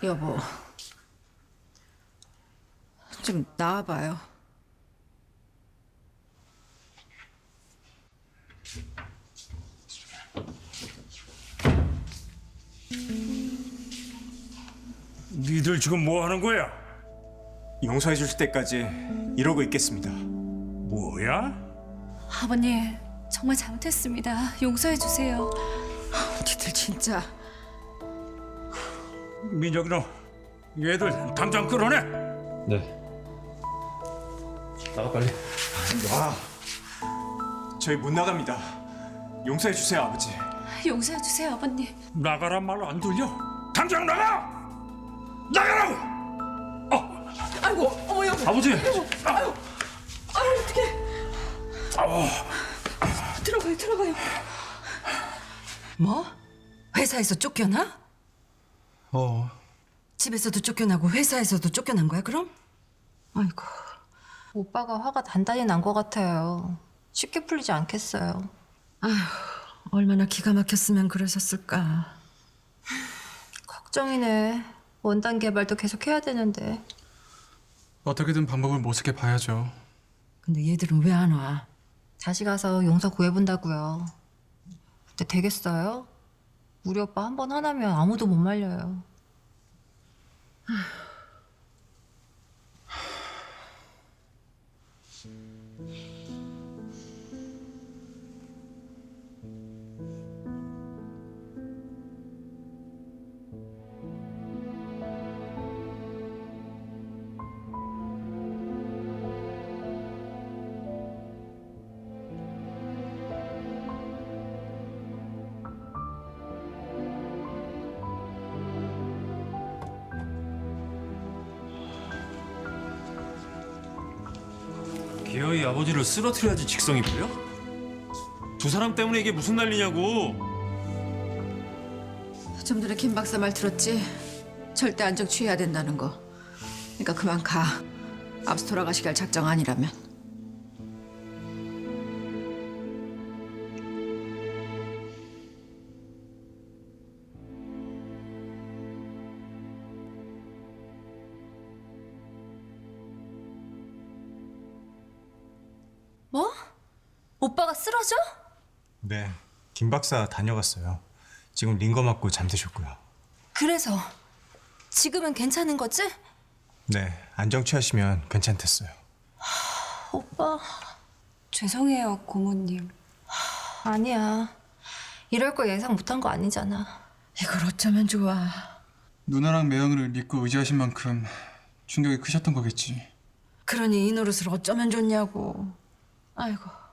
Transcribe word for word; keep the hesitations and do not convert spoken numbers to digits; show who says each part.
Speaker 1: 여보, 좀 나와봐요.
Speaker 2: 니들 지금 뭐 하는 거야?
Speaker 3: 용서해 주실 때까지 이러고 있겠습니다.
Speaker 2: 뭐야?
Speaker 4: 아버님, 정말 잘못했습니다. 용서해 주세요.
Speaker 1: 니들 진짜.
Speaker 2: 민혁이 너 얘들 당장 끌어내.
Speaker 5: 네. 나가 빨리.
Speaker 3: 아, 저희 못 나갑니다. 용서해 주세요, 아버지.
Speaker 4: 용서해 주세요, 아버님.
Speaker 2: 나가란 말 안 들려? 당장 나가! 나가라고! 어,
Speaker 1: 아이고, 어머 여보.
Speaker 2: 아버지!
Speaker 1: 아유, 아유 어떡해. 들어가요, 들어가요.
Speaker 6: 뭐? 회사에서 쫓겨나?
Speaker 5: 어.
Speaker 6: 집에서도 쫓겨나고 회사에서도 쫓겨난 거야 그럼? 아이고.
Speaker 4: 오빠가 화가 단단히 난 것 같아요. 쉽게 풀리지 않겠어요.
Speaker 6: 얼마나 기가 막혔으면 그러셨을까.
Speaker 4: 걱정이네. 원단 개발도 계속 해야 되는데.
Speaker 7: 어떻게든 방법을 모색해 봐야죠.
Speaker 6: 근데 얘들은 왜 안 와?
Speaker 4: 다시 가서 용서 구해본다고요. 근데 되겠어요? 우리 오빠 한 번 화나면 아무도 못 말려요.
Speaker 5: 기어이 아버지를 쓰러뜨려야지 직성이 풀려? 두 사람 때문에 이게 무슨 난리냐고.
Speaker 1: 좀 전에 김 박사 말 들었지? 절대 안정 취해야 된다는 거. 그러니까 그만 가. 앞서 돌아가시게 할 작정 아니라면.
Speaker 4: 뭐? 오빠가 쓰러져?
Speaker 3: 네, 김 박사 다녀갔어요. 지금 링거 맞고 잠드셨고요.
Speaker 4: 그래서 지금은 괜찮은 거지?
Speaker 3: 네, 안정 취하시면 괜찮댔어요.
Speaker 4: 오빠.
Speaker 8: 죄송해요, 고모님.
Speaker 4: 아니야. 이럴 거 예상 못한 거 아니잖아.
Speaker 6: 이걸 어쩌면 좋아.
Speaker 7: 누나랑 매형을 믿고 의지하신 만큼 충격이 크셨던 거겠지.
Speaker 6: 그러니 이 노릇을 어쩌면 좋냐고. 아이고.